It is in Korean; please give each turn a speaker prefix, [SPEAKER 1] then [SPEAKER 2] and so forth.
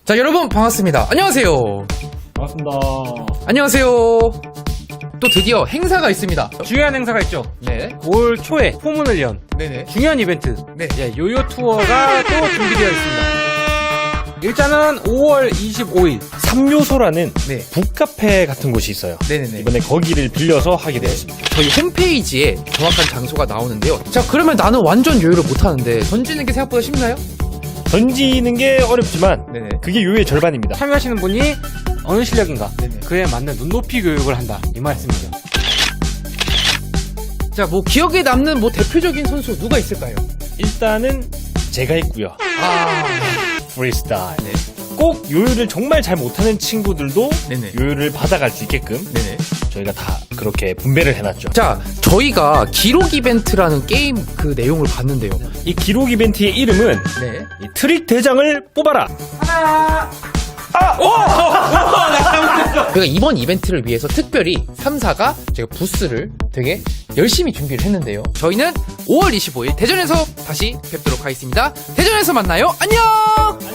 [SPEAKER 1] 자, 여러분 반갑습니다. 안녕하세요.
[SPEAKER 2] 반갑습니다.
[SPEAKER 1] 안녕하세요. 또 드디어 행사가 있습니다.
[SPEAKER 2] 중요한 행사가 있죠.
[SPEAKER 1] 네.
[SPEAKER 2] 올 초에 포문을 연
[SPEAKER 1] 네네.
[SPEAKER 2] 중요한 이벤트.
[SPEAKER 1] 네.
[SPEAKER 2] 예, 요요 투어가 또 준비되어 있습니다. 일단은 5월 25일 3요소라는
[SPEAKER 1] 네.
[SPEAKER 2] 북카페 같은 곳이 있어요.
[SPEAKER 1] 네네네.
[SPEAKER 2] 이번에 거기를 빌려서 하게 되었습니다.
[SPEAKER 1] 저희 홈페이지에 정확한 장소가 나오는데요. 자, 그러면 나는 완전 요요를 못하는데 던지는 게 생각보다 쉽나요?
[SPEAKER 2] 던지는 게 어렵지만
[SPEAKER 1] 네네.
[SPEAKER 2] 그게 요요의 절반입니다. 참여하시는 분이 어느 실력인가
[SPEAKER 1] 네네.
[SPEAKER 2] 그에 맞는 눈높이 교육을 한다 이 말씀이죠.
[SPEAKER 1] 자, 뭐 기억에 남는 뭐 대표적인 선수 누가 있을까요?
[SPEAKER 2] 일단은 제가 있고요. 프리스타일.
[SPEAKER 1] 네.
[SPEAKER 2] 꼭 요요를 정말 잘 못하는 친구들도
[SPEAKER 1] 네네.
[SPEAKER 2] 요요를 받아갈 수 있게끔
[SPEAKER 1] 네네.
[SPEAKER 2] 저희가 다 그렇게 분배를 해놨죠.
[SPEAKER 1] 자, 저희가 기록 이벤트라는 게임 그 내용을 봤는데요.
[SPEAKER 2] 이 기록 이벤트의 이름은
[SPEAKER 1] 네.
[SPEAKER 2] 이 트릭 대장을 뽑아라.
[SPEAKER 1] 저희가 이번 이벤트를 위해서 특별히 3사가 제가 부스를 되게 열심히 준비를 했는데요. 저희는 5월 25일 대전에서 다시 뵙도록 하겠습니다. 대전에서 만나요. 안녕!